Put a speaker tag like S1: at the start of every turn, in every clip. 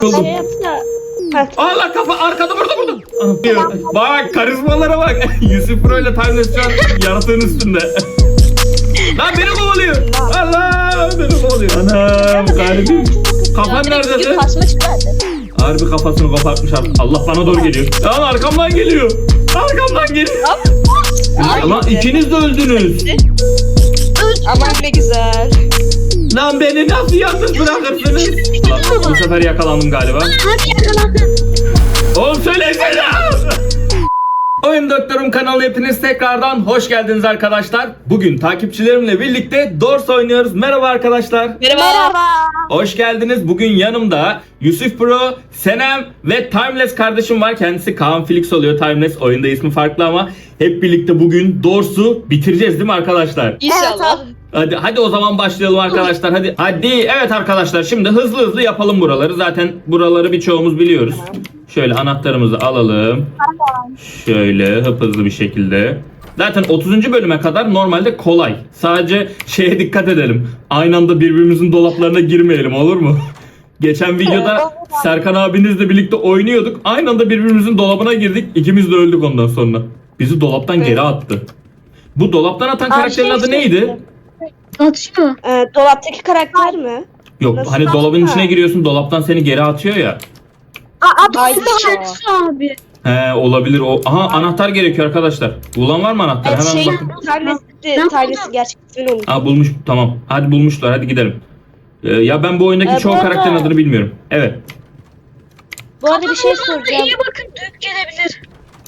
S1: Buldum.
S2: Şey yapsa.
S1: Allah kafa arkada burada. Bak karizmalara bak. Yusuf Pro ile Timeless şu an yaratığın üstünde. Lan beni kovalıyor. Allah beni kovalıyor. Anam garibim. Kafan nerede?
S2: Kasma çıkardı.
S1: Harbi kafasını kopartmış artık. Allah bana doğru geliyor. Lan arkamdan geliyor. Arkamdan geliyor. Ama ikiniz de öldünüz.
S2: Aman ne güzel.
S1: Lan beni nasıl yalnız bırakırsınız? Bu sefer yakalandım galiba.
S3: Hadi yakalandın.
S1: Oğlum söylesene. Oyun Doktorum kanalına hepiniz tekrardan hoş geldiniz arkadaşlar. Bugün takipçilerimle birlikte Doors oynuyoruz. Merhaba arkadaşlar.
S2: Merhaba.
S1: Hoş geldiniz. Bugün yanımda Yusuf Pro, Senem ve Timeless kardeşim var. Kendisi Kaan Felix oluyor. Timeless oyunda ismi farklı ama hep birlikte bugün Doors'u bitireceğiz değil mi arkadaşlar?
S2: İnşallah.
S1: Hadi o zaman başlayalım arkadaşlar. Hadi evet arkadaşlar, şimdi hızlı yapalım buraları. Zaten buraları birçoğumuz biliyoruz. Şöyle anahtarımızı alalım. Şöyle hızlı bir şekilde. Zaten 30. bölüme kadar normalde kolay. Sadece şeye dikkat edelim. Aynı anda birbirimizin dolaplarına girmeyelim, olur mu? Geçen videoda Serkan abinizle birlikte oynuyorduk. Aynı anda birbirimizin dolabına girdik. İkimiz de öldük ondan sonra. Bizi dolaptan geri attı. Bu dolaptan atan karakterin adı neydi?
S3: Atıyor.
S2: Dolaptaki karakter mi?
S1: Yok,
S2: Nasıl
S1: hani
S2: atma?
S1: dolabın içine giriyorsun, dolaptan seni geri atıyor ya.
S2: Ay,
S3: Adı kendisi abi.
S1: He, olabilir o. Aha, anahtar gerekiyor arkadaşlar. Bulan var mı anahtar? Hemen bakın.
S2: Tanesi gerçek ismini unuttum.
S1: Aa, bulmuş, tamam. Hadi bulmuşlar, hadi gidelim. Ya ben bu oyundaki çoğu
S2: bu arada-
S1: karakterin adını bilmiyorum. Evet.
S2: Bu arada bir şey
S3: Kafamın orada
S2: soracağım.
S3: iyi bakın, dük gelebilir.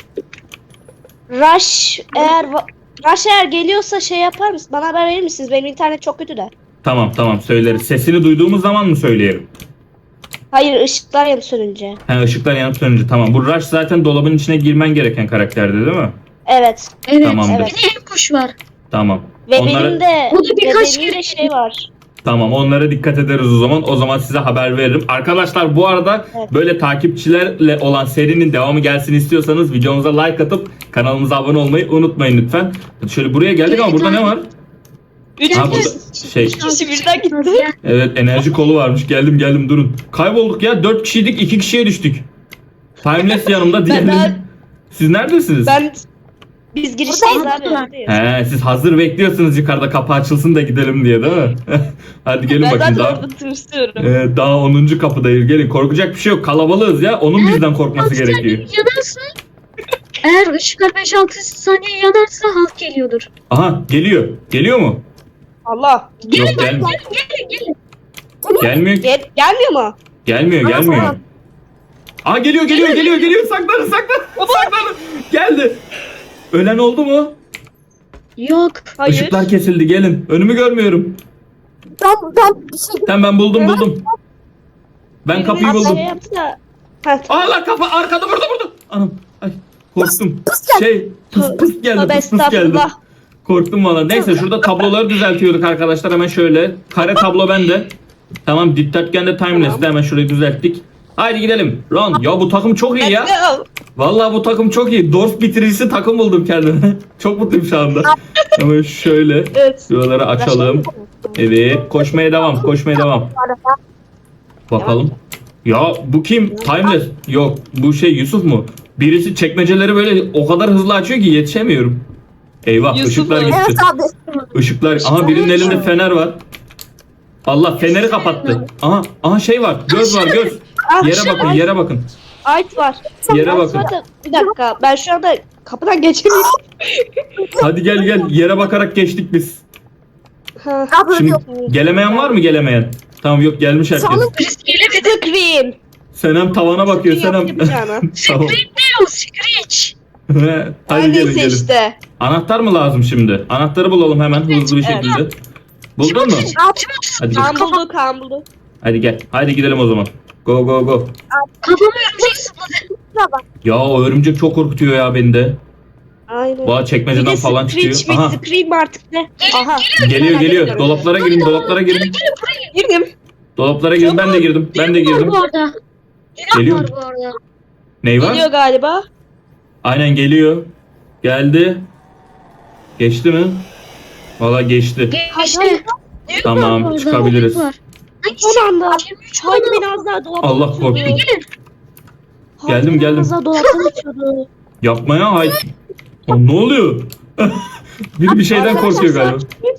S2: Rush eğer geliyorsa şey yapar mısın? Bana haber verir misiniz? Benim internet çok kötü de.
S1: Tamam söyleriz. Sesini duyduğumuz zaman mı söyleyelim?
S2: Hayır, ışıklar yanıp sönünce.
S1: He, ışıklar yanıp sönünce, tamam. Bu Rush zaten dolabın içine girmen gereken karakterdi değil mi?
S2: Evet.
S3: Evet.
S1: Tamamdır.
S3: Bir de hem kuş var.
S1: Tamam.
S2: Ve
S1: Onlara-
S2: benim de
S3: O da birkaç
S2: benim de
S3: kere-
S2: şey var.
S1: Tamam, onlara dikkat ederiz o zaman. O zaman size haber veririm. Arkadaşlar bu arada
S2: Evet.
S1: böyle takipçilerle olan serinin devamı gelsin istiyorsanız videomuza like atıp kanalımıza abone olmayı unutmayın lütfen. Şöyle buraya geldik ama burada ne var? Ha, burada şey,
S2: kişi birden gitti.
S1: evet, enerji kolu varmış. Geldim durun. Kaybolduk ya. 4 kişiydik, 2 kişiye düştük. Timeless yanımda diğerleri. Siz neredesiniz?
S2: Biz girişteyiz abi. buradayız.
S1: He, siz hazır bekliyorsunuz yukarıda kapı açılsın da gidelim diye değil mi? Hadi gelin bakayım daha.
S2: tırsıyorum.
S1: Daha 10. kapıdayız. Gelin, korkacak bir şey yok. Kalabalığız ya. Onun bizden korkması gerekiyor.
S3: Yanarsa, eğer ışıklar 5-6 saniye yanarsa halk geliyordur.
S1: Aha, geliyor. Geliyor mu?
S2: Allah.
S1: Yok, gelmiyor.
S3: Gelin.
S1: Gelmiyor.
S2: Gelmiyor mu?
S1: Gelmiyor. Aa, geliyor. Saklanın. Geldi. Ölen oldu mu?
S3: Yok.
S2: Hayır.
S1: Işıklar kesildi. Gelin. Önümü görmüyorum. Ben buldum. Ben kapıyı
S2: Biriniz
S1: buldum.
S2: Şey yapsa.
S1: Allah kafa arkada burada. Anam. Ay, korktum. Pıs geldi.
S2: Tövbe
S1: Pıs geldi.
S2: estağfurullah.
S1: Korktum valla. Neyse, şurada tabloları düzeltiyorduk arkadaşlar. Hemen şöyle. Kare tablo bende. Tamam, dikdörtgen de Timeless'te. Hemen şurayı düzelttik. Haydi gidelim. Ron. Ya bu takım çok iyi ya. Vallahi bu takım çok iyi. Doors bitiricisi takım buldum kendime. Çok mutluyum şu anda. Hemen şöyle.
S2: Evet.
S1: Şuraları açalım. Evet. Koşmaya devam. Bakalım. Ya bu kim? Timeless. Yok. Bu şey Yusuf mu? Birisi çekmeceleri böyle o kadar hızlı açıyor ki yetişemiyorum. Eyvah,
S2: Yusuf
S1: ışıklar
S2: mu?
S1: gitti.
S4: Evet abi.
S1: Işıklar. Aha, birinin elinde fener var. Allah, feneri kapattı. Aha şey var. Göz var, göz. Yere bakın.
S2: Ait var.
S1: Yere bakın.
S2: Bir dakika. Ben şu anda kapıdan geçemiyorum.
S1: Hadi gel. Yere bakarak geçtik biz.
S2: Ha.
S4: Abi
S1: Şimdi
S4: yok.
S1: gelemeyen var mı, gelemeyen? Tamam, yok, gelmiş herkes.
S3: Birisi gelemedi.
S2: Scream.
S1: Senem tavana bakıyor. Senem.
S2: Yapacağını.
S1: Tamam.
S3: Screech değil o, Screech.
S1: Hadi gelin.
S2: Neyse işte.
S1: Anahtar mı lazım şimdi? Anahtarı bulalım hemen hızlı bir
S2: Evet.
S1: şekilde. Buldun mu? Hadi gel.
S2: Kaan buldu.
S1: Hadi gel. Hadi gidelim o zaman. Go.
S3: Kafamı örümcek sıpladı.
S1: Ya o örümcek çok korkutuyor ya beni de.
S2: Aynen.
S1: Valla çekmeceden falan çıkıyor. Aha,
S2: Scream artık ne? Aha.
S1: geliyor. Dolaplara girin.
S2: Girdim.
S1: Dolaplara girin. Ben de girdim.
S3: Var bu arada.
S1: Geliyor.
S3: Var bu arada.
S1: Ney var?
S2: Geliyor galiba.
S1: Aynen geliyor. Geldi. Geçti mi? Valla geçti.
S3: Geçti.
S1: Tamam,
S3: Var bu arada,
S1: çıkabiliriz.
S3: var.
S2: Son anda.
S3: 23
S2: Haydi
S3: tane.
S2: beni az daha dolaptan
S1: Allah
S2: açıyordu.
S1: korktum.
S3: Gelin.
S2: Haydi
S1: Geldim,
S2: beni
S1: geldim.
S2: Az daha dolaptan açıyordu.
S1: Yapma ya. Hayır. Lan ne oluyor? Biri bir şeyden korkuyor galiba.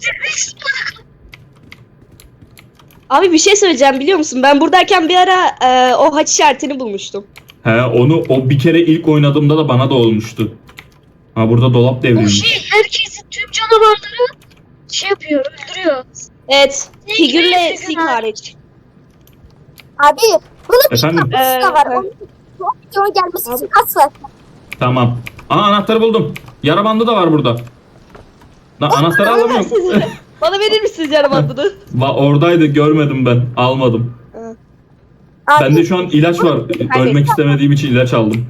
S2: Abi bir şey söyleyeceğim biliyor musun? Ben buradayken bir ara o haç işaretini bulmuştum.
S1: He onu o bir kere ilk oynadığımda da bana da olmuştu. Ha burada dolap
S3: O
S1: devrilmiş.
S3: şey herkesin tüm canavarları şey yapıyor, öldürüyor.
S2: Evet. Figürle
S3: Figür
S2: Sig
S3: ha.
S2: hariç.
S4: Abi bunun
S1: Efendim?
S4: bir kapısı da var. Onun videonun gelmesi için kaç var?
S1: Tamam. Aa anahtarı buldum. Yara bandı da var burada. Lan anahtarı
S2: Bana
S1: alamıyorum.
S2: versenize. Bana verir misiniz yarı bandını?
S1: Oradaydı görmedim ben. Almadım.
S4: Abi
S1: Bende şu an ilaç var. Ölmek istemediğim için ilaç aldım.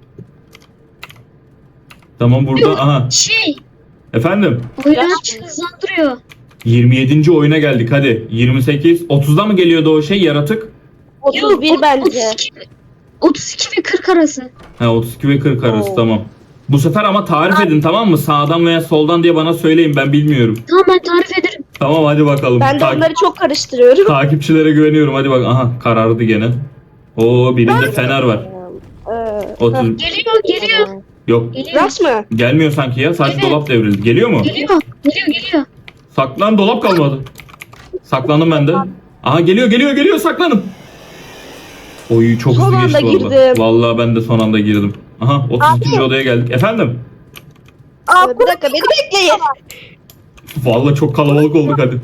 S1: Tamam burada. Aha.
S3: Şey,
S1: Efendim?
S3: oyunu hızlandırıyor.
S1: 27. oyuna geldik hadi. 28. 30'da mı geliyordu o şey yaratık?
S2: 31 bence.
S3: 32 ve 40 arası.
S1: Ha 32 ve 40 arası
S2: Oo.
S1: tamam. Bu sefer ama tarif edin tamam mı? Sağdan veya soldan diye bana söyleyin ben bilmiyorum.
S3: Tamam ben tarif ederim.
S1: Tamam hadi bakalım.
S2: Ben de onları çok karıştırıyorum.
S1: Takipçilere güveniyorum hadi bak. Aha karardı gene. Oo birinde fener var. 30.
S3: Geliyor.
S1: Yok
S3: Geliyor.
S2: Rush mı?
S1: gelmiyor sanki ya. Sadece
S3: Evet.
S1: dolap devrildi. Geliyor mu?
S3: Geliyor.
S1: Saklan dolap kalmadı. Saklandım ben de. Aha geliyor saklanın. Oy çok
S2: Son
S1: hızlı
S2: anda
S1: geçti valla.
S2: girdim.
S1: Vallahi ben de son anda girdim. Aha 32. odaya geldik. Efendim?
S2: Bir dakika beni bekleyin.
S1: Vallahi çok kalabalık olduk hadi.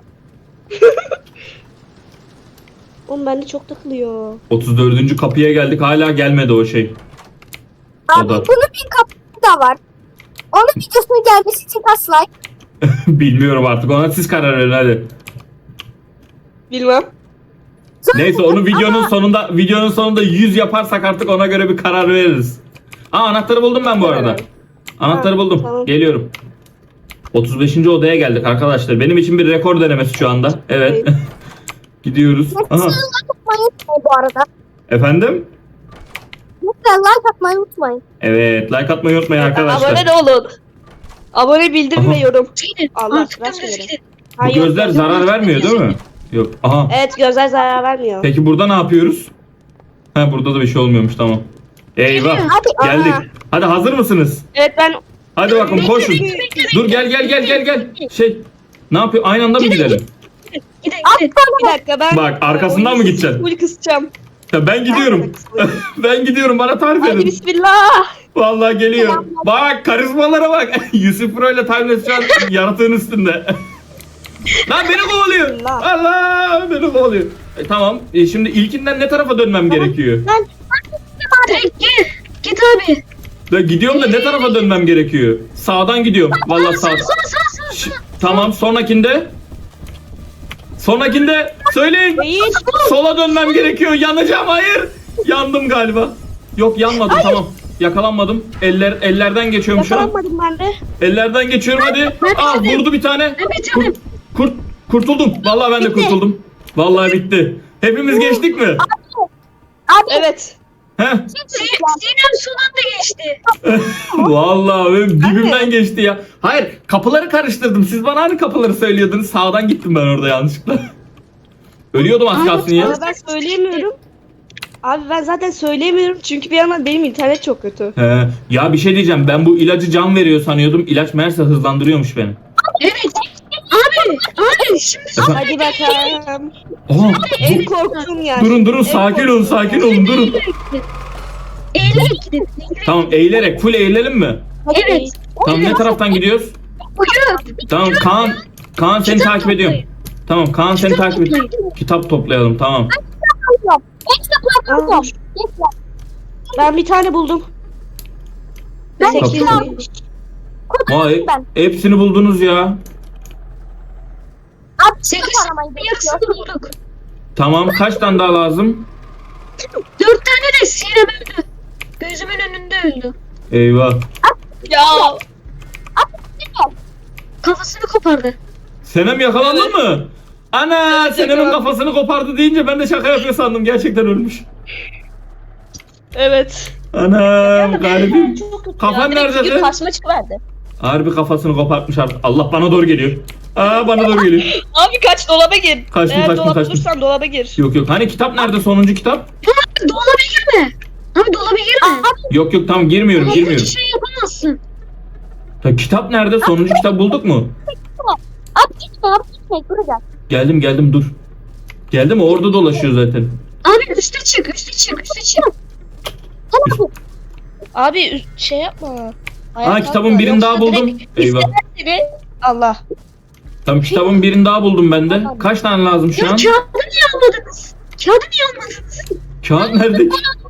S2: Oğlum bende çok takılıyor.
S1: 34. kapıya geldik. Hala gelmedi o şey.
S4: abi
S1: O da.
S4: bunun bir kapısı da var. Onun videosunun gelmesi için kaç like?
S1: Bilmiyorum artık. Ona siz karar verin hadi.
S2: Bilmem.
S1: Neyse onu videonun sonunda 100 yaparsak artık ona göre bir karar veririz. Aa anahtarı buldum ben bu arada. Anahtarı
S2: Ha,
S1: buldum.
S2: tamam.
S1: Geliyorum. 35. odaya geldik arkadaşlar. Benim için bir rekor denemesi şu anda. Evet. Gidiyoruz. Aha.
S4: Lütfen like atmayı unutmayın bu arada.
S1: Efendim?
S4: Lütfen like atmayı unutmayın.
S1: Evet. Like atmayı unutmayın arkadaşlar.
S2: Abone de olun. Abone bildirim ve
S1: Aha.
S2: yorum.
S3: Gidin.
S2: Allah,
S3: Artık
S2: Rush
S3: dümdüz
S2: verin.
S3: gidin.
S1: Bu
S2: Hayır,
S1: gözler zarar vermiyor değil mi? Yok. Aha.
S2: Evet gözler zarar vermiyor.
S1: Peki burada ne yapıyoruz? Ha burada da bir şey olmuyormuş tamam. Eyvah.
S4: Hadi.
S1: Geldik. Hadi hazır mısınız?
S2: Evet ben
S1: Hadi bakalım koşun. Dur gel. Şey ne yapıyor? Aynı anda mı gidelim?
S3: Gidin.
S2: bir dakika ben
S1: Bak, arkasından mı gideceksin?
S2: Full kısacağım.
S1: Ya ben gidiyorum. Ben gidiyorum bana tarif
S2: Hadi
S1: edin.
S2: bismillah.
S1: Vallahi geliyor. Bak karizmalara bak. Yusuf Pro ile Timeless şu an yaratığın üstünde. Lan beni kovalıyor.
S2: Allah.
S1: Allah beni kovalıyor. Tamam. Şimdi ilkinden ne tarafa dönmem gerekiyor?
S3: Direkt git abi.
S1: Ben gidiyorum da ne tarafa dönmem gerekiyor? Sağdan gidiyorum. Vallahi sağ. Tamam sonrakinde. Sonrakinde söyleyin.
S2: Değil.
S1: Sola dönmem gerekiyor. Yanacağım hayır. Yandım galiba. Yok yanmadım tamam. Yakalanmadım. Ellerden geçiyorum şu an.
S2: Yakalanmadım ben de.
S1: Ellerden geçiyorum hadi. Aa vurdu bir tane.
S3: Ben bitirdim.
S1: Kurtuldum. Vallahi ben de
S2: Bitti.
S1: kurtuldum. Vallahi bitti. Hepimiz geçtik mi?
S4: Abi
S2: Evet.
S1: Heh.
S3: Sinem son anda geçti.
S1: Vallahi benim dibimden geçti ya. Hayır kapıları karıştırdım. Siz bana hani kapıları söylüyordunuz. Sağdan gittim ben orada yanlışlıkla. Ölüyordum az kalsın ya.
S2: Ama ben söyleyemiyorum. Abi ben zaten söyleyemiyorum çünkü bir yandan benim internet çok kötü.
S1: He. Ya bir şey diyeceğim. Ben bu ilacı can veriyor sanıyordum. İlaç meğerse hızlandırıyormuş beni.
S3: Evet. Abi şimdi
S2: Hadi bakalım.
S1: Aa,
S2: En korktuğum yer.
S1: durun sakin olun durun.
S3: eğilerek gidin.
S1: Tamam eğilerek full eğilelim mi?
S3: Evet.
S1: Tamam ne taraftan gidiyoruz?
S3: Buyurun.
S1: Tamam Kaan seni
S3: Kitap
S1: takip ediyorum.
S3: toplayın.
S1: Tamam Kaan seni
S3: Kitap
S1: takip ediyor.
S3: toplayın.
S1: Kitap toplayalım tamam.
S2: Aa, ben bir tane buldum.
S4: Ben
S1: de
S2: 8
S1: buldum. Vay hepsini buldunuz ya.
S4: Abi
S3: 8
S4: aramayı
S3: yarısını bulduk.
S1: Tamam kaç tane daha lazım?
S3: 4 tane de Sinem öldü. Gözümün önünde öldü.
S1: Eyvah.
S2: Ya.
S3: Kafasını kopardı.
S1: Senem yakalandı mı? Ana
S2: Evet,
S1: Senem'in
S2: yakalandım.
S1: kafasını kopardı deyince ben de şaka yapıyor sandım. Gerçekten ölmüş.
S2: Evet.
S1: Anam garibim. Kafan nerede kız?
S2: Karşıma çıkıverdi.
S1: Harbi kafasını kopartmış artık. Allah bana doğru geliyor. Aa bana doğru geliyor.
S2: Abi kaç, dolaba gir.
S1: Kaçtım,
S2: Eğer
S1: kaçtım,
S2: dolapta
S1: kaçtım.
S2: durursan dolaba gir.
S1: Yok yok. Hani kitap nerede? Sonuncu kitap?
S3: Dolaba girme. Abi dolaba girme.
S1: Yok yok tamam girmiyorum
S3: Dolaba
S1: girmiyorum.
S3: hiç şey yapamazsın.
S1: Ta, kitap nerede? Sonuncu kitap bulduk mu?
S4: Abi gitme buraya gel.
S1: Geldim dur. Geldim orada dolaşıyor zaten.
S3: Abi üste çık.
S2: Abi şey yapma.
S1: Aa kitabın birini daha buldum. Eyvah.
S2: Allah.
S1: Tamam kitabın birini daha buldum ben de. Kaç tane lazım şu
S3: Ya
S1: an?
S3: kağıdı niye almadınız?
S1: Kağıt nerede?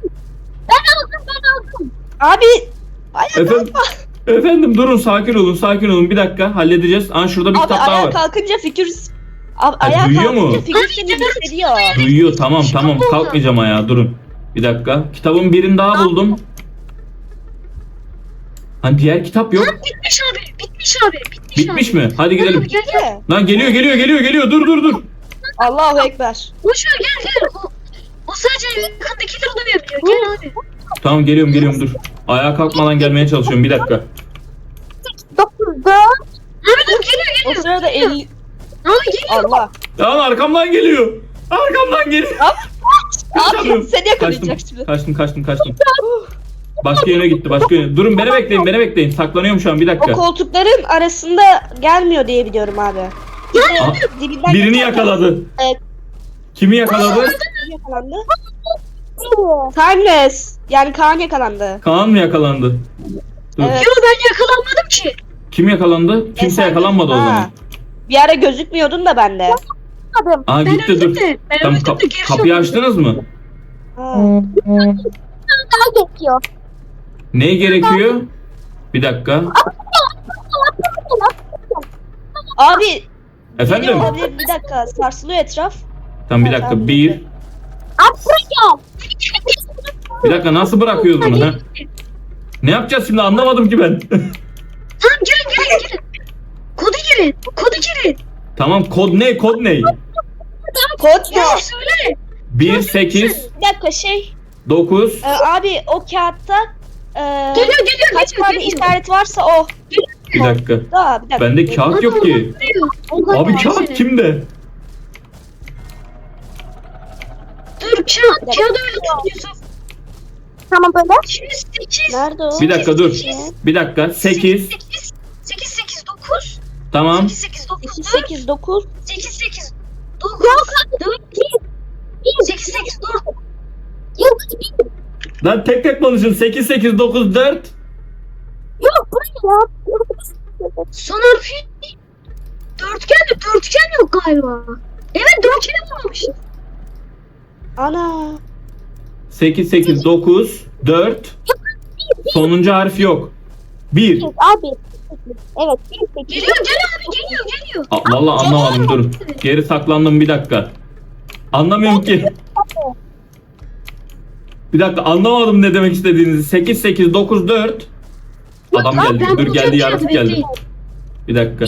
S2: Abi. Ayağa
S1: Efendim, efendim durun sakin olun bir dakika halledeceğiz. Aa şurada bir
S2: Abi
S1: kitap daha
S2: ayağa
S1: var.
S2: kalkınca figür... Abi ayağa
S1: duyuyor
S2: kalkınca
S1: mu?
S2: figür seni hissediyor.
S1: Duyuyor tamam kalkmayacağım ayağa durun. Bir dakika kitabın birini daha buldum. Hani diğer kitap yok.
S3: Bitmiş abi.
S1: Bitmiş mi? Hadi gidelim.
S3: Abi gel.
S1: Lan geliyor dur.
S2: Allahu Ekber.
S3: Boş ver gel. O sadece yakındakileri duyabiliyor. Gel abi.
S1: Tamam geliyorum dur. Ayağa kalkmadan gelmeye çalışıyorum bir dakika.
S4: 9, 4.
S3: Abi dur
S2: O
S3: geliyor.
S2: sırada 50...
S3: Abi geliyor.
S2: Allah.
S1: Lan arkamdan geliyor.
S2: Abi seni yakalayacak
S1: Kaçtım.
S2: şimdi.
S1: Kaçtım. Başka yöne gitti Durun beni bekleyin. Saklanıyorum şu an bir
S2: O
S1: dakika.
S2: koltukların arasında gelmiyor diye biliyorum abi.
S1: Aa,
S2: Dibinden
S1: birini
S2: geçerken-
S1: yakaladı.
S2: Evet.
S1: Kimi yakaladı?
S2: Kim yakalandı? Timeless. Yani Kaan yakalandı.
S1: Kaan mı yakalandı? Dur.
S2: Evet.
S3: Yo ben yakalanmadım ki.
S1: Kim yakalandı? Kimse
S2: sen
S1: yakalanmadı o
S2: ha.
S1: zaman.
S2: Bir ara gözükmüyordun da bende.
S1: Aa
S3: Ben
S1: gitti
S3: öldüm
S1: dur.
S3: de. Ben
S1: Tamam
S3: öldüm de geri
S1: kapıyı
S3: soktum.
S1: açtınız mı?
S2: Ha.
S4: Daha geçiyor.
S1: Ne gerekiyor? Bir dakika.
S2: Abi
S1: Efendim?
S2: geliyor olabilir, bir dakika sarsılıyor etraf.
S1: Tamam bir dakika.
S2: Tamam,
S1: Bir.
S4: Abi buraya gel.
S1: Bir dakika nasıl bırakıyoruz bunu ha? Ne yapacağız şimdi anlamadım ki ben.
S3: Tamam girin. Kodu girin.
S1: Tamam kod ne?
S2: Kod ne?
S3: Ya söyle.
S1: 1 8
S2: Bir dakika şey.
S1: 9
S2: Abi o kağıtta
S3: Geliyor.
S2: kaç tane işaret varsa o.
S1: bir dakika.
S2: Daha bir dakika.
S1: Bende kağıt yok ki. Abi kağıt kimde?
S3: Dur kağıdı öyle tut Yusuf.
S4: Tamam böyle.
S3: Şimdi 8.
S2: Nerede o?
S1: Bir dakika dur. Bir dakika 8
S3: 8 9.
S1: tamam.
S3: 8 9 4.
S2: 8 9.
S3: 8 9. 4. 8 4.
S4: Yok.
S1: Lan tek konuşun 8 8 9 4
S4: Yok buraya.
S3: Son harfi dörtgen yok galiba. Evet dörtgeni bulmamışız.
S2: Ana.
S1: 8 8 9 4 sonuncu harf yok. 1
S4: Abi. Evet. 1, 8.
S3: Geliyor geliyor.
S1: Vallahi anlamadım dur. Geri saklandım bir dakika. Anlamıyorum ki. Bir dakika anlamadım ne demek istediğinizi. 8 8 9 4 Adam geldi.
S3: Ben
S1: Dur geldi
S3: bulacağım
S1: yaratık
S3: kağıdı,
S1: geldi.
S3: bekleyin.
S1: Bir dakika.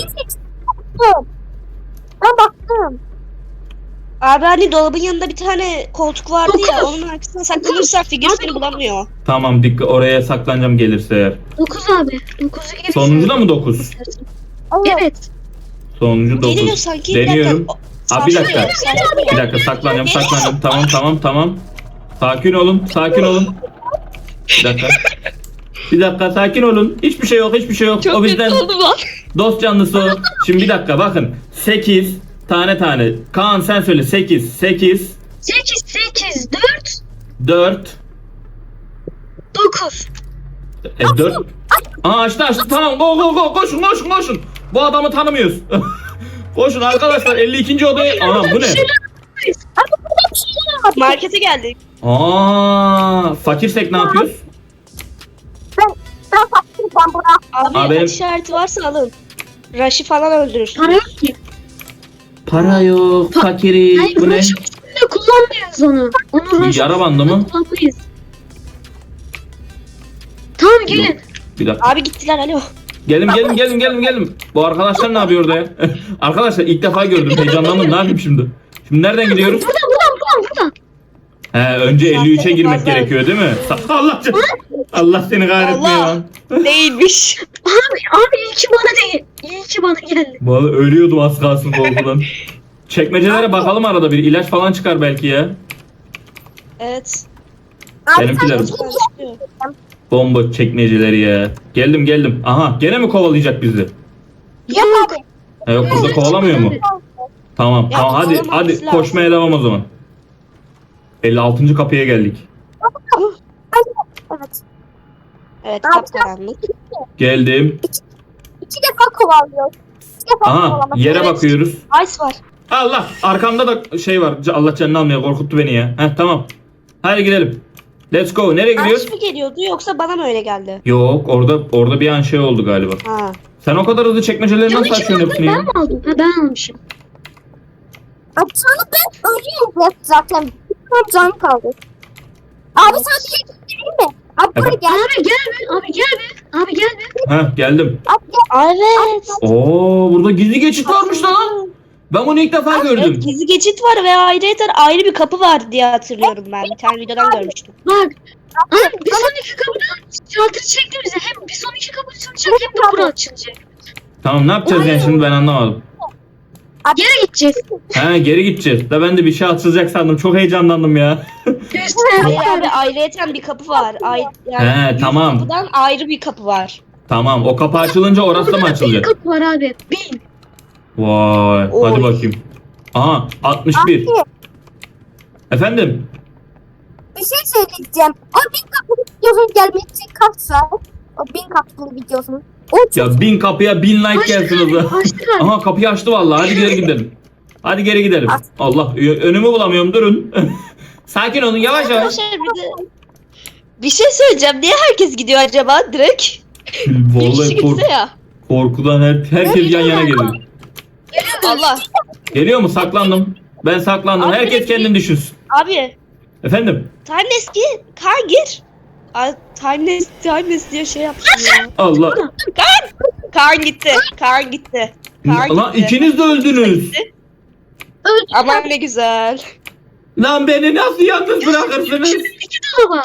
S4: Ben baktım.
S2: Abi hani dolabın yanında bir tane koltuk vardı ya,
S3: Dokuz.
S2: onun arkasına saklanırsak figür seni bulamıyor.
S1: Tamam dikkat oraya saklanacağım gelirse eğer.
S3: 9 abi. 9'u geri.
S1: Sonuncu da mı 9?
S3: Evet.
S1: Sonuncu 9.
S2: Geliyor sanki.
S1: Deniyorum. Aa, bir dakika.
S2: Sarsılıyor.
S1: Bir dakika saklanacağım. Tamam. Sakin olun. Bir dakika sakin olun. Hiçbir şey yok.
S2: Çok
S1: O bizden
S2: kötü oldu lan.
S1: dost canlısı o. Şimdi bir dakika bakın. 8 tane. Kaan sen söyle 8
S3: 8 4
S1: 4
S3: 9.
S1: 4 Aa açtı tamam go koşun. Bu adamı tanımıyoruz. Koşun arkadaşlar 52. odaya. Anam bu ne?
S2: Markete geldik.
S1: Aa fakirsek ne yapıyoruz?
S4: Ben baktım ben buna.
S2: Abi
S1: benim-
S2: işareti varsa alın. Rush'ı falan öldürürsün.
S3: Para yok ki.
S1: Para yok fakiri.
S3: Hayır
S1: Bu ne?
S3: Rush'ın üstünde kullanmayız onu. Onu Rush'ın
S1: Yara bandı mı?
S3: kullanmayız. Tamam gelin.
S1: Bir dakika.
S2: Abi gittiler alo.
S1: Gelin. Bu arkadaşlar ne yapıyor orada ya? Arkadaşlar ilk defa gördüm. Heyecanlandım. Ne yapayım şimdi? Şimdi nereden gidiyoruz?
S3: Buradan.
S1: He önce 53'e girmek
S2: Fazla.
S1: gerekiyor değil mi? Allah canım. Allah seni kahretmiyor
S2: Allah.
S1: lan.
S2: Değilmiş.
S3: Abi iyi ki bana değil. İyi ki bana geldi.
S1: Vallahi ölüyordum az kalsın korkudan. Çekmecelere bakalım arada bir ilaç falan çıkar belki ya.
S2: Evet.
S4: Abi
S1: Benimkiler bomba çekmeceleri ya. Geldim. Aha gene mi kovalayacak bizi?
S4: Yap abi.
S1: Yok burada kovalamıyor mu? Tamam
S2: Ya,
S1: tamam hadi
S2: kovalamanız lazım.
S1: koşmaya devam o zaman. 56. kapıya geldik.
S4: Evet.
S2: Evet
S4: Abi,
S2: kapkaranlık.
S1: Geldim.
S4: 2 defa kovalıyor. 2 defa
S1: Aha
S4: kovalamak.
S1: yere
S2: Evet.
S1: bakıyoruz.
S2: Ice var.
S1: Allah arkamda da şey var. Allah canını almaya korkuttu beni ya. Heh tamam. Hadi gidelim. Let's go. Nereye gidiyoruz?
S2: Ice mi geliyordu yoksa bana mı öyle geldi?
S1: Yok orada bir an şey oldu galiba.
S2: Ha.
S1: Sen o kadar hızlı çekmeceleri nasıl açıyorsun hepsini ya?
S3: Ben mi aldım? Ha ben almışım.
S4: Abi sana ben ölüyorum zaten. Bir can kaldı. Abi sana bir şey göstereyim mi? Abi buraya
S1: Evet.
S4: gel.
S3: Abi gel be. Abi gel be. Abi gel be.
S1: Heh geldim.
S4: Abi gel.
S2: Evet.
S1: Oo burada gizli geçit varmış lan. Ben bunu ilk defa gördüm.
S2: Evet, gizli geçit var ve ayrı bir kapı var diye hatırlıyorum ben. Bir tane videodan görmüştüm.
S3: Bak. Abi bir sonraki kapıdan şaltır çektiğimizde hem bir sonraki kapı açılacak hem de bura açılacak.
S1: Tamam ne yapacağız yani şimdi ben anlamadım.
S3: Geri gideceğiz.
S1: He geri gideceğiz. Da ben de bir şey açılacak sandım. Çok heyecanlandım ya.
S2: Hayır abi ayrıyeten bir kapı var.
S1: He,
S2: yüz
S1: tamam.
S2: kapıdan ayrı bir kapı var.
S1: Tamam o kapı açılınca orası da mı
S3: Bir
S1: açılacak?
S3: kapı var abi. Bin.
S1: Vay
S2: Oy.
S1: hadi bakayım. Aha 61.
S4: Abi
S1: Efendim?
S4: bir şey söyleyeceğim. O 1000 kapılı videosunun gelmesi için kaç saat? O 1000 kapılı videosunun. O çok
S1: Ya 1000 kapıya 1000 like gelsin o zaman.
S3: Açtık abi.
S1: Aha kapıyı açtı vallahi. Hadi geri gidelim. Hadi geri gidelim. Allah önümü bulamıyorum durun. Sakin olun yavaş yavaş.
S2: Arkadaşlar bir şey söyleyeceğim. Niye herkes gidiyor acaba direkt? Bir kişi
S1: Vallahi
S2: gitse ya.
S1: korkudan herkes yan yana geliyor.
S2: Allah.
S1: Geliyor mu? Saklandım. Ben saklandım.
S2: Abi,
S1: Herkes
S2: direkt
S1: kendini düşünsün.
S2: Abi.
S1: Efendim?
S2: Timeless gir. Kaan gir. Ay, Timeless diye şey yaptım ya.
S1: Allah.
S2: Kaan gitti. Kaan gitti. Kaan
S1: Lan
S2: gitti.
S1: ikiniz de öldünüz.
S2: Aman ne güzel.
S1: Lan beni nasıl yalnız bırakırsınız?
S3: İki dolaba.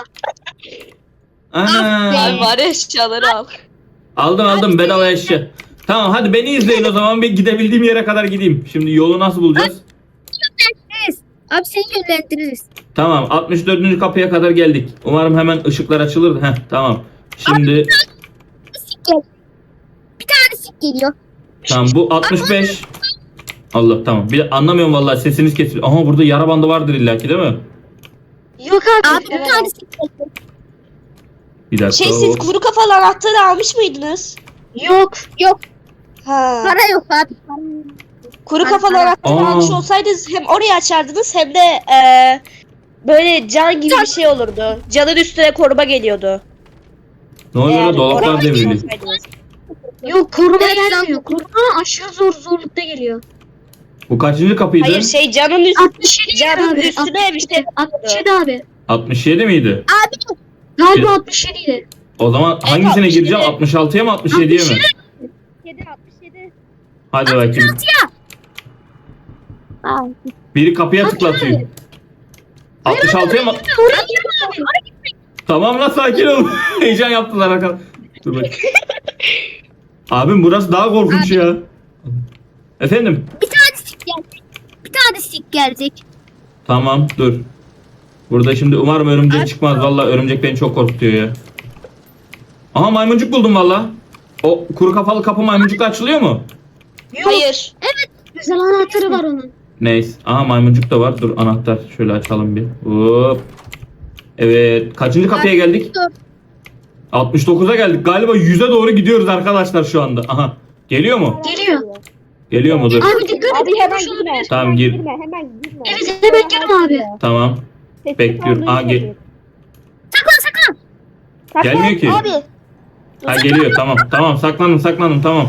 S1: Ana.
S2: Ay var eşyaları al.
S1: Aldım bedava eşya. Tamam hadi beni izleyin o zaman bir gidebildiğim yere kadar gideyim. Şimdi yolu nasıl bulacağız?
S4: Abi seni yönlendiririz.
S1: Tamam 64. kapıya kadar geldik. Umarım hemen ışıklar açılır. Heh tamam. Şimdi
S4: Sik gel. Bir tane sik geliyor.
S1: tamam bu 65. Allah tamam. Bir anlamıyorum vallahi sesiniz kesiliyor. Aha burada yara bandı vardır illaki değil mi?
S3: Yok abi.
S4: Abi bir
S2: Evet.
S4: tane sik geliyor.
S1: Bir dakika.
S2: Şey siz kuru kafalı anahtarı almış mıydınız?
S3: Yok.
S4: Yok.
S2: Ha.
S4: Para yok abi.
S2: Kuru
S4: Ay,
S2: kafalı
S4: ay.
S2: anahtarı
S1: Aa.
S2: almış olsaydınız hem orayı açardınız hem de böyle can gibi bir şey olurdu. Canın üstüne koruma geliyordu.
S1: Ne oluyor
S2: Eğer
S1: lan? Dolaplar
S2: orayı
S1: devrili.
S2: olsaydınız.
S3: Yok koruma
S4: Evet,
S3: gelmiyor. Koruma aşırı zorlukta geliyor.
S1: Bu kaçıncı kapıydı?
S2: Hayır şey canın üstüne
S3: 67
S2: Canın
S3: abi.
S2: üstüne bir şey
S3: 67 abi.
S1: 67 miydi?
S4: Abi
S3: Galiba 67 idi.
S1: O zaman hangisine
S2: 67.
S1: gireceğim? 66'ya mı 67'ye mi?
S2: 67.
S1: Hadi bakayım.
S4: Abi.
S1: Biri kapıya tıklatıyor. 66'ya mı?
S3: Oraya girme abi.
S1: Tamam lan sakin ol. Heyecan yaptılar arkadaşlar. Dur bakayım. Abim burası daha korkunç ya. Efendim?
S4: Bir tane sik gelecek. Bir tane sik gelecek.
S1: Tamam dur. Burada şimdi umarım örümcek çıkmaz. Vallahi örümcek beni çok korkutuyor ya. Aha maymuncuk buldum valla. O kuru kafalı kapı maymuncukla açılıyor mu?
S3: Yok.
S2: Hayır.
S3: Güzel anahtarı var onun.
S1: Neyse. Aha maymuncuk da var. Dur anahtar. Şöyle açalım bir. Hop. Evet. Kaçıncı kapıya geldik? 69'a geldik. Galiba 100'e doğru gidiyoruz arkadaşlar şu anda. Aha. Geliyor mu?
S3: Geliyor.
S1: Geliyor mu? Dur.
S3: Abi dikkat et.
S2: Abi hemen
S3: Şunu-
S2: girme.
S1: Tamam, gir.
S2: Girme, hemen girme.
S3: Evet hemen girme abi.
S1: Tamam.
S2: Sessiz
S1: Bekliyorum.
S2: kalmayı
S1: Aa, gel-
S2: seviyorum. Saklan.
S1: Gelmiyor ki.
S2: Abi.
S1: Ha geliyor. Tamam. Tamam. Saklandım. Tamam.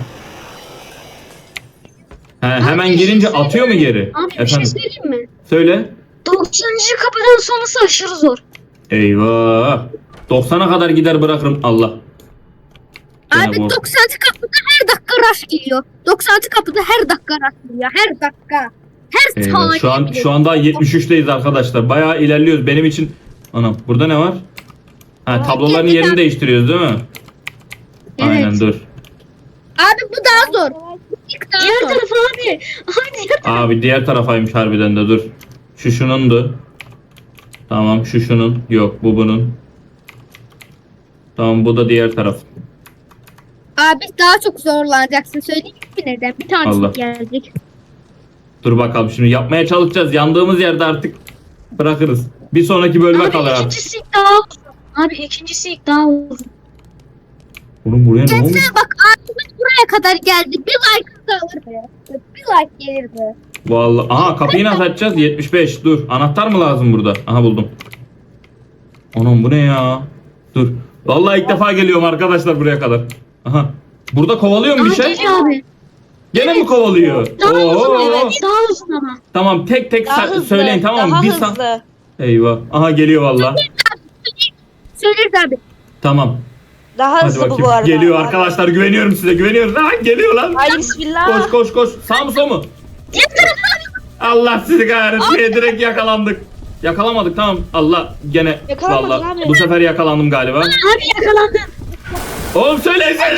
S1: He, hemen girince atıyor mu geri?
S3: Abi bir şey
S1: Efendim.
S3: söyleyeyim mi?
S1: Söyle.
S3: 90. kapıdan sonrası aşırı zor.
S1: Eyvah. 90'a kadar gider bırakırım. Allah. Gene
S4: Abi
S1: bu.
S4: 90. kapıda her dakika rush geliyor. 90. kapıda her dakika rush geliyor. Her dakika. Her
S1: Eyvah.
S4: saniye.
S1: Şu an daha 73'teyiz arkadaşlar. Bayağı ilerliyoruz. Benim için. Anam burada ne var? Ha, tabloların yerini değiştiriyoruz değil mi?
S3: Evet.
S1: Aynen dur.
S4: Abi bu daha zor. İlk daha
S3: Diğer
S4: zor.
S3: taraf abi. Abi diğer taraf.
S1: Abi diğer tarafaymış harbiden de dur. Şu şunundu. Tamam şu şunun. Yok bu bunun. Tamam bu da diğer taraf.
S4: Abi daha çok zorlanacaksın. Söyleyeyim mi neden? Bir
S1: Allah.
S4: tanesi gelecek.
S1: Dur bakalım şimdi yapmaya çalışacağız. Yandığımız yerde artık bırakırız. Bir sonraki bölüme kalır
S3: Abi
S1: artık.
S3: ikincisi ilk daha uzun. Abi ikincisi ilk daha uzun.
S1: Oğlum buraya ne olmuş?
S4: Mesela bak abimiz buraya kadar geldi. Bir like da alırdı. Bir like gelirdi.
S1: Vallahi. Aha kapıyı nasıl açacağız? 75. Dur. Anahtar mı lazım burada? Aha buldum. Anam bu ne ya? Dur. Vallahi ilk defa geliyorum arkadaşlar buraya kadar. Aha. Burada kovalıyor mu bir
S3: Aa,
S1: şey?
S3: geliyor abi.
S1: Gene mi kovalıyor?
S3: Daha uzun
S1: Oo.
S3: evet. Daha uzun ama.
S1: Tamam tek tek
S2: Daha hızlı.
S1: söyleyin tamam mı?
S2: Daha
S1: Bir
S2: hızlı.
S1: Eyvah. Aha geliyor valla.
S4: Söyleriz abi.
S1: Tamam.
S2: Daha
S1: Hadi
S2: hızlı bu
S1: bakayım.
S2: arada.
S1: Geliyor arkadaşlar. Güveniyorum size. Güveniyoruz. Ha geliyor lan.
S2: Haydi bismillah.
S1: Koş koş koş. Sağ mı sol mu? Allah sizi kahretsin. Direkt yakalandık. Yakalamadık tamam. Allah gene
S2: Yakalamadın
S1: valla
S2: abi.
S1: bu sefer yakalandım galiba.
S3: Abi yakalandın.
S1: Oğlum söylesene.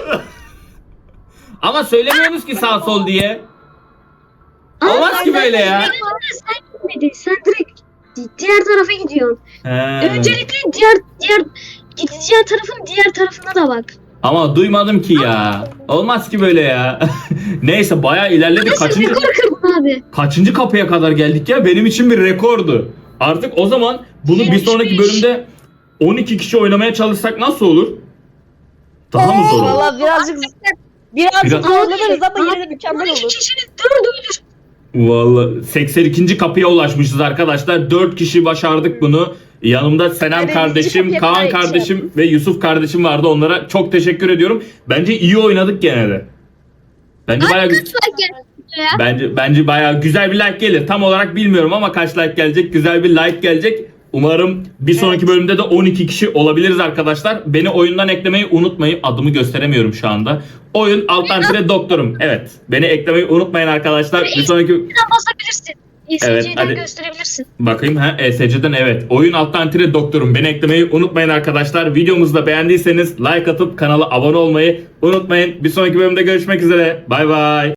S1: Ama söylemiyorsunuz ki sağ sol diye. Olmaz ki böyle ya.
S3: Sen gitmedin. Sen direkt diğer tarafa gidiyorsun.
S1: He.
S3: Öncelikle diğer gideceğin tarafın diğer tarafına da bak.
S1: Ama duymadım ki ya. Olmaz ki böyle ya. Neyse bayağı ilerledik.
S3: Nasıl
S1: Kaçıncı,
S3: rekor kırdın abi?
S1: kaçıncı kapıya kadar geldik ya? Benim için bir rekordu. Artık o zaman bunu bir sonraki bölümde 12 kişi oynamaya çalışsak nasıl olur? Daha mı zor olur?
S2: Valla birazcık
S1: Biraz-
S2: zorlanırız ama
S3: Abi,
S2: yine de mükemmel
S3: 12
S2: olur.
S3: kişinin 4'ü ölür.
S1: Vallahi 82. kapıya ulaşmışız arkadaşlar. 4 kişi başardık bunu. Yanımda Senem
S2: Hadi
S1: kardeşim,
S2: bizi
S1: Kaan
S2: kapıya
S1: kardeşim ve Yusuf kardeşim vardı. Onlara çok teşekkür ediyorum. Bence iyi oynadık gene de. Bence bayağı
S4: Kaç like geldi ya?
S1: bence bayağı güzel bir like gelir. Tam olarak bilmiyorum ama kaç like gelecek? Güzel bir like gelecek. Umarım bir sonraki bölümde de 12 kişi olabiliriz arkadaşlar. Beni oyundan eklemeyi unutmayın. Adımı gösteremiyorum şu anda. Oyun Altantire Doktorum. Evet. Beni eklemeyi unutmayın arkadaşlar. Bir sonraki
S3: Buradan basabilirsin.
S1: Evet,
S3: ESC'den
S1: hadi.
S3: gösterebilirsin.
S1: bakayım ha ESC'den evet. Oyun Altantire Doktorum. Beni eklemeyi unutmayın arkadaşlar. Videomuzu da beğendiyseniz like atıp kanala abone olmayı unutmayın. Bir sonraki bölümde görüşmek üzere. Bay bay.